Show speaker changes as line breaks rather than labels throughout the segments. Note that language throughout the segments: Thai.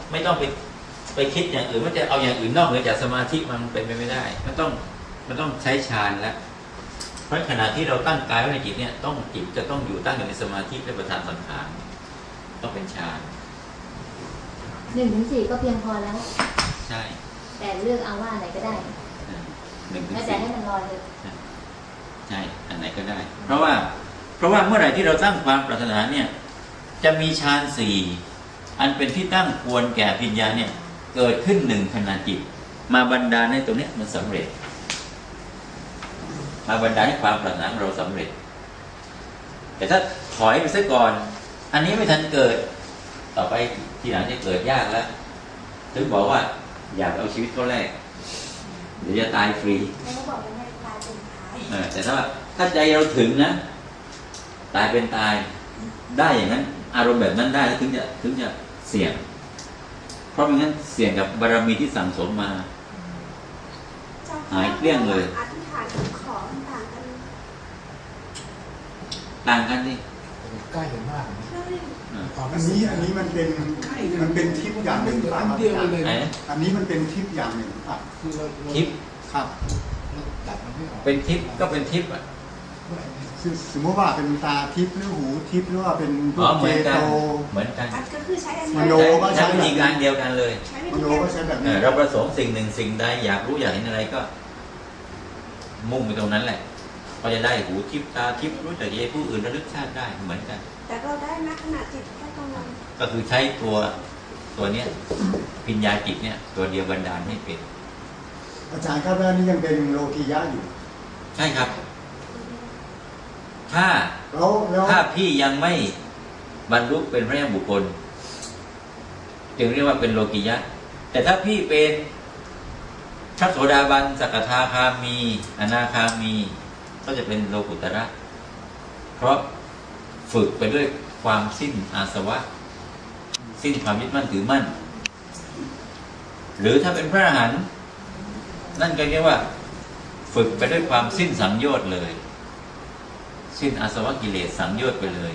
ไม่ต้องไปคิดอย่างอื่นว่าจะเอาอย่างอื่นนอกเหนือจากสมาธิมันเป็นไปไม่ได้มันต้องใช้ฌานแล้วเพราะขณะที่เราตั้งกายไว้ในจิตเนี่ยจิตจะต้องอยู่ตั้งอยู่ในสมาธิและประธานสังขารต้องเป็นฌาน
1-4ก็เพียงพอแล้ว
ใช่
แต่เลือกเอาว่าไหนก็ได้
1-4
แต่ให้มันลอยเลย
ใช่อันไหนก็ได้เพราะว่าเมื่อไหร่ที่เราตั้งความปรารถนาเนี่ยจะมีฌาน4อันเป็นที่ตั้งควรแก่ปัญญาเนี่ยเกิดขึ้น1ขณะจิตมาบันดาลให้ตรงนี้มันสำเร็จมาบันดาลให้ความปรารถนาของเราสำเร็จแต่ถ้าถอยไปซะก่อนอันนี้ไม่ทันเกิดต่อไปทีหลังจะเกิดยากแล้วถึงบอกว่าอยากเอาชีวิตเขาแรกเดี๋ยวจะตายฟรีแต่ถ้าใจเราถึงนะตายเป็นตายได้อย่างนั้นอารมณ์แบบนั้นได้แล้วถึงจะเสี่ยงเพราะไม่งั้นเสี่ยงกับบารมีที่สั่งสมมาหายเกลี้ยงเลย
อธิษฐานกับขอ
ต่างกันนี่
ใกล้กันมาก
อันนี้มันเป็นทิพย์อย่างหนึ่งครับอันนี้มันเป็นทิพย์อย่างหนึ่งครับ
ทิพย์
ครับ
เป็นทิพย์ก็เป็นทิพย์อ่ะ
สมมติว่าเป็นตาทิพย์หรือหูทิพย์หรือว่าเป็น
เจโตเหมือนกัน
ก็คือใช้
มโนก็ใช้
วิธีการเดียวกันเลย
มโนก็ใช้แบบนี้
เราประสงค์สิ่งหนึ่งสิ่งใดอยากรู้อยากเห็นอะไรก็มุ่งไปตรงนั้นแหละก็จะได้หูทิพย์ตาทิพย์รู้จักใจผู้อื่นระลึกชาติได้เหมือนกัน
แต่เราได้ณขณะจิตแค่ตรงนั้น
ก็คือใช้ตัวเนี้ยปัญญาจิตเนี่ยตัวเดียวบันดาลให้เป็น
อาจารย์ครับแล้วนี่ยังเป็นโลกียะอยู่
ใช่ครับถ้าพี่ยังไม่บรรลุเป็นพระยาบุคคลจึงเรียกว่าเป็นโลกิยะแต่ถ้าพี่เป็นพระโสดาบันสกทาคามีอนาคามีก็จะเป็นโลกุตระเพราะฝึกไปด้วยความสิ้นอาสวะสิ้นความยึดมั่นถือมั่นหรือถ้าเป็นพระอรหันต์นั่นก็เรียกว่าฝึกไปด้วยความสิ้นสังโยชน์เลยสิ้นอาสวะกิเลสสังโยชน์ไปเลย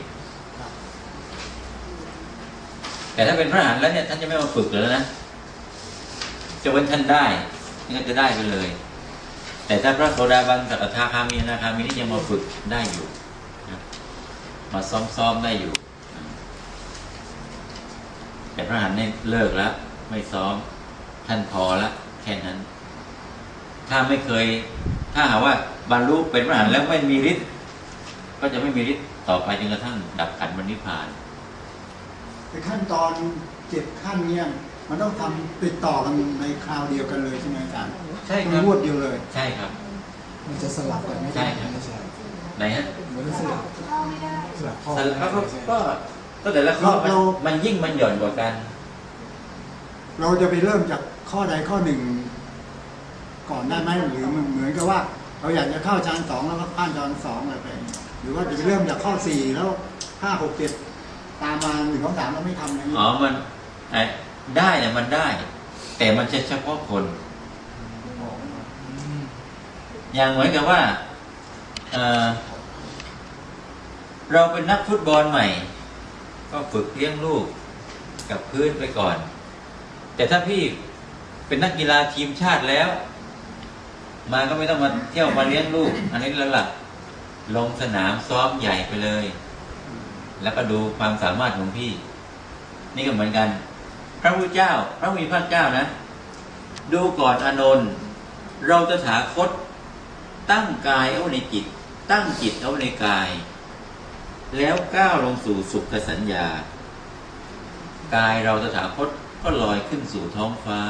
แต่ถ้าเป็นพระอรหันต์แล้วเนี่ยท่านจะไม่มาฝึกเลยนะจะเว้นท่านได้ท่านจะได้ไปเลยแต่ถ้าพระโสดาบันสกทาคามีอนาคามีนี่ยังมาฝึกได้อยู่มาซ้อมได้อยู่แต่พระอรหันต์เนี่ยเลิกแล้วไม่ซ้อมท่านพอละแค่นั้นถ้าหากว่าบรรลุเป็นพระอรหันต์แล้วไม่มีฤทธิ์ก็จะไม่มีฤทธิ์ต่อไปจนกระทั่งดับขันธ์นิพพาน
ในขั้นตอน7ขั้นเนี่ยมันต้องทำติดต่อกันในคราวเดียวกันเลยใช่ไหมอาจารย์
ใช่ครับ
รวดเดียวเลย
ใช่ครับ
มันจะสลับกันไม่
ใช่ครับไหนฮะ
มันสลับข้อ
ก็แต่ละข้อมันยิ่งมันหย่อนกว่ากัน
เราจะไปเริ่มจากข้อใดข้อหนึ่งก่อนได้ไหมหรือเหมือนกับว่าเราอยากจะเข้าฌาน2แล้วก็ข้ามฌาน2อะไรไปหรือว่าจะไปเริ่มจากข้อ4แล้ว5 6 7ตามมา1 2 3แล้วไม่ทำอะไร
มันได้เนี่ยมันได้แต่มันเฉพาะคนอย่างเหมือนกับว่าเราเป็นนักฟุตบอลใหม่ก็ฝึกเลี้ยงลูกกับพื้นไปก่อนแต่ถ้าพี่เป็นนักกีฬาทีมชาติแล้วมาก็ไม่ต้องมาเที่ยวมาเลี้ยงลูกอันนี้แล้วล่ะลงสนามซ้อมใหญ่ไปเลยแล้วก็ดูความสามารถของพี่นี่ก็เหมือนกันพระพุทธเจ้าพระมีพระเจ้านะดูก่อนอานนท์เราตถาคตตั้งกายเอาในจิตตั้งจิตเอาในกายแล้วก้าวลงสู่สุขสัญญากายเราตถาคตก็ลอยขึ้นสู่ท้องฟ้า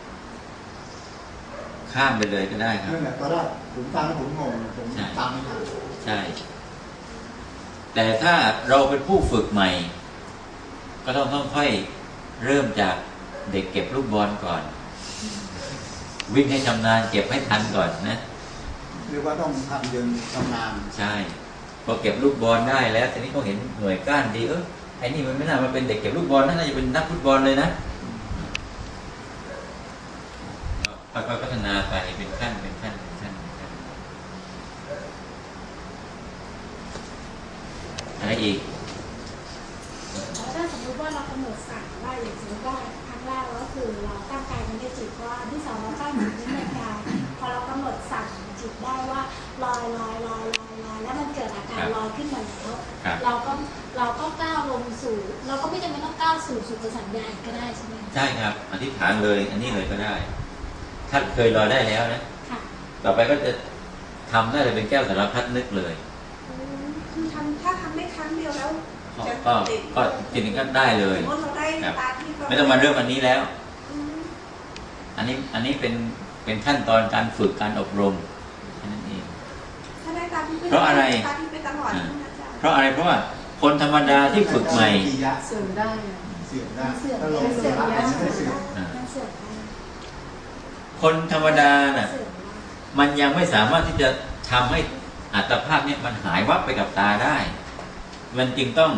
ข้ามไปเลยก็ได้ครับ
นั่นแหละตอนแรกผมฟังแล้วผมงงผมตามไม่ทัน
ใช่แต่ถ้าเราเป็นผู้ฝึกใหม่ก็ต้องค่อยเริ่มจากเด็กเก็บลูกบอลก่อนวิ่งให้ชำนาญเก็บให้ทันก่อนนะ
เรียกว่าต้องทำเดินชำนาญ
ใช่พอเก็บลูกบอลได้แล้วทีนี้เขาเห็นหน่วยก้านดีไอ้นี่มันไม่น่ามาเป็นเด็กเก็บลูกบอลน่าจะเป็นนักฟุตบอลเลยนะค่อยๆพัฒนาไปเป็นขั้นอะไรอีก
ถ้าสมมติว่าเรากำหนดสั่งว่าอย่างสมมติว่าครั้งแรกเราตั้งกายมันได้จิตว่าอันที่สองเราตั้งจิตที่ในกายพอเรากำหนดสั่งจิตได้ว่าลอยแล้วมันเกิดอาการลอยขึ้นมาแล้ว
ครับ
เราก็ก้าวลงสู่ เราก็ไม่จำเป็นต้องก้าวสู่สุขสัญญาก็ได้ใช่ไหม
ใช่ครับอธิษฐานเลย อันนี้เลยก็ได้ ถ้าเคยลอยได้แล้วนะ
ค่ะ
ต่อไปก็จะทำได้เลยเป็นแก้วสารพัดนึกเลย
คือถ้าทำได้ครั้งเดียวแล้วจะ
ก็จริงๆก็ได้เลย
สมมติเราได้
ครับ
ตาที่
ไม่ต้องมาเริ่มอันนี้แล้ว
อืม
อันนี้เป็นขั้นตอนการฝึกการอบรมแค่นั้นเอง
ถ้าได้ตาที่
เพราะอะไร
ตาที่ไปตลอดใช่ไหมอาจารย์
เพราะอะไรเพราะว่าคนธรรมดาที่ฝึกใหม่
เสื่อมได้ถ้าเรา
เสื่อม
ละ
แล้ว
ไม่เสื่อม
มันเสื่อมได้
คนธรรมดาน่ะ
เสื่อมได้
มันยังไม่สามารถที่จะทำให้อัตภาพเนี่ยมันหายวับไปกับตาได้ มันจึงต้อง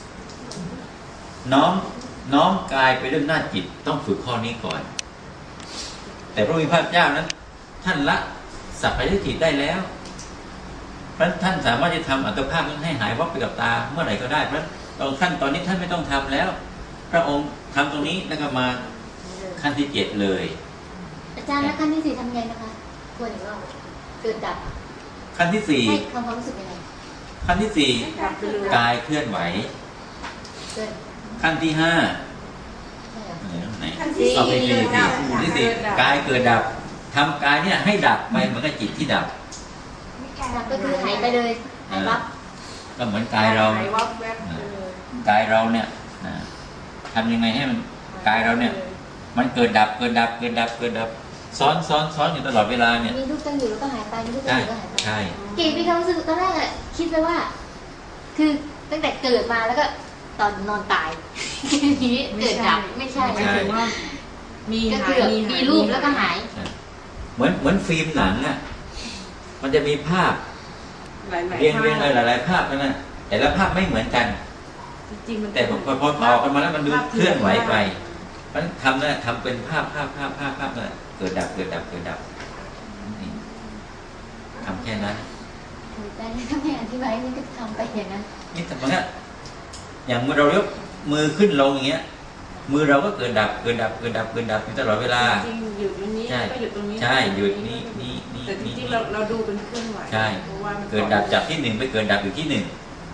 น้อมกายไปเรื่องหน้าจิตต้องฝึกข้อนี้ก่อน แต่พระมีพระเจ้านั้น ท่านละสัพพทิฏฐิได้แล้วเพราะท่านสามารถจะทำอัตภาพนั้นให้หายวับไปกับตาเมื่อไหร่ก็ได้เพราะตอนขั้นตอนนี้ท่านไม่ต้องทำแล้ว พระองค์ทำตรงนี้แล้วก็มาขั้นที่7เลย
อาจารย์แล้วขั้นที่ 4ทำไงนะคะทวนอีกรอบเกิดดับ
ขั้นที่
ให้ความรู้สึกยังไง
4ขั้นที่4กายเคลื่อนไหว
เกิด
ขั้นที่5
ใช่เหรอ
ไหน
ขั้นที่
เอาไป
สี่
สี่
ดับ
ที่สี่กายเกิดดับทำกายเนี่ยให้ดับไปเหมือนกับจิตที่ดับ
ดับก็คือหายไปเลยหายวับ
ก็เหมือนกายเรา
หายวับแวบไปเลย
กายเราเนี่ยทำยังไงให้มันกายเราเนี่ย มันเกิดดับซ้อนอยู่ตลอดเวลาเนี่ย
มีรูปตั้งอยู่แล้วก็หายไปมีรูปตั้
ใช่
งอยู่ก็หายไป
ใช่
เก๋มีความรู้สึกตอนแรกอะคิดไปว่า คือตั้งแต่เกิดมาแล้วก็ตอนนอนตายทีนี้เกิดดับไม่ใช่
หมายถึงว่ามี
ก็
หา
คื
ย
อมีรูปแล้วก็หาย
เหมือนฟิล์มหนังอ่ะมันจะมีภาพ
หลายๆ
เรียง
ภาพ
หลายภาพนั่นนะแต่ละภาพไม่เหมือนกัน
จริงๆมัน
แต่พอต่อกันมาแล้วมันดูเคลื่อนไหวไปเพราะฉะนั้นทำนะทำเป็นภาพนะเกิดดับนี่ทำแค่นั้น
แต่นี่ถ้าไม่อธิบายนี่ก็ทำไปอย่างนั้น
นี่แต่มันก็อย่างเมื่อเรายกมือขึ้นลงอย่างเงี้ย มือเราก็เกิดดับอยู่ตลอดเวลา
จริงๆหยุดตรงนี้
ใช่
ก็หยุดตรงนี้
ใช่หยุดนี่
แต่จริงๆเราดูเป็นเคลื่อนไหว
ใช่
เพราะว่ามัน
เกิดดับจากที่หนึ่งไปเกิดดับอยู่ที่หนึ่ง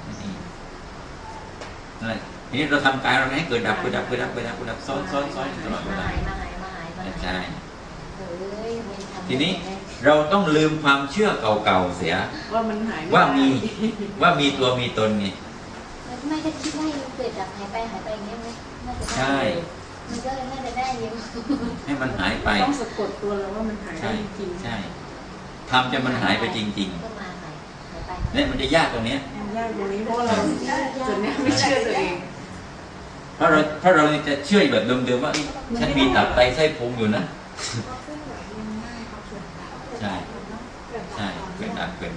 นั่นแหละทีนี้เราทำกายเราให้เกิดดับซ้อนอยู่ตลอดเวลา
มาหาย
ใช่
เฮ้ยมันทำ
ทีนี้เราต้องลืมความเชื่อเก่าๆเสีย
ว่ามันหายไได้
ว่ามีตัวมีตนไง
ไม่ได้คิดว่าเกิดดับหายไปอย่างเงี้ยน่าจะได้
ใช่
มันก็เลยน่าจะได้เยอะ
ให้มันหายไป
ต้องสะกดตัวเราว่ามันหายได้
ใช่
จริง
ใช่ทำจนมันหายไปจริง
ก็มาหายไป
ๆเนี่ยมันจะยากตรงเนี้ย
ๆยากตรงนี้เพราะว่าเราส่วนนี้ไม่เชื่อตัวเอง
เพราะเราจะเชื่อแบบเดิมๆว่าเอ้ยฉันมีตับไตไส้พุงอยู่นะ ใช่เกิดดับ
เกิ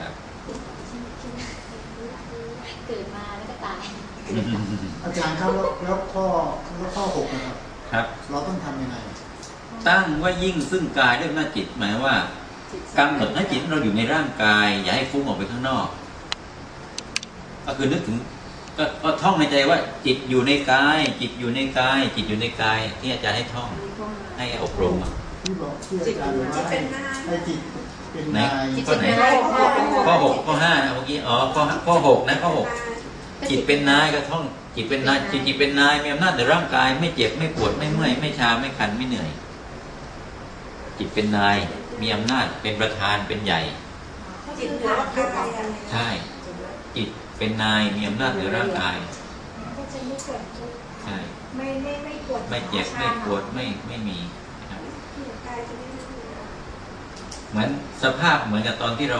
ดมาแล้วก็ตาย
อาจารย์ครับแล้วข้อ6นะครับ
ครับ
เราต้องทำยังไง
ตั้งว่ายิ่งซึ่งกายด้วยหน้าจิตหมายว่ากำหนดให้จิตเราอยู่ในร่างกาย อย่าให้ฟุ้งออกไปข้างนอก ก็คือนึกถึงก็ท่องในใจว่า จิตอยู่ในกายที่อาจารย์ให้ท่องให้อบรมอะ
ที่บอกที่อาจารย์บอกว่าให้จิตเป็น
ไหน
นาย
ข้อไหนข้อ6ข้อ5นะเมื่อกี้ข้อ6นะข้อ6จิตเป็นนายก็ท่องจิตเป็นนายจิตเป็นนายมีอำนาจในร่างกาย ไม่เจ็บไม่ปวดไม่เมื่อยไม่ชาไม่คันไม่เหนื่อย จิตเป็นนายมีอำนาจเป็นประธานเป็นใหญ่
จิตเหนือกายอะไร
ใช่ จิตเป็นนายมีอำนาจเหนือร่างกาย
ก็จะไม่ปวด
ใช่
ไม่ปวด
ไม่เจ็บไม่ปวดไม่มีนะครับ
กายจะไม่มี
เหมือนสภาพเหมือนกับตอนที่เรา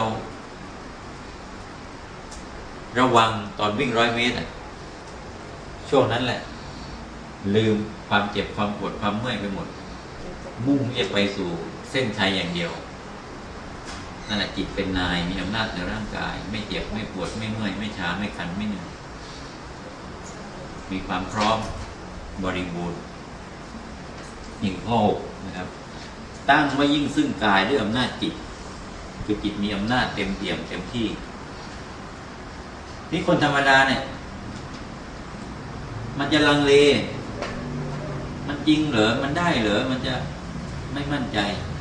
ระวังตอนวิ่ง100 เมตรอะช่วงนั้นแหละ ลืมความเจ็บความปวดความเมื่อยไปหมด มุ่งที่จะไปสู่เส้นชัยอย่างเดียวนั่นแหละจิตเป็นนายมีอำนาจในร่างกาย ไม่เจ็บไม่ปวดไม่เมื่อยไม่ชาไม่คันไม่เหนื่อยมีความพร้อมบริบูรณ์อีกข้อ6นะครับ ตั้งไว้ยิ่งซึ่งกายด้วยอำนาจจิต คือจิตมีอำนาจเต็มเปี่ยมเต็มที่นี่คนธรรมดาเนี่ย มันจะลังเล มันจริงเหรอมันได้เหรอมันจะไม่มั่นใจ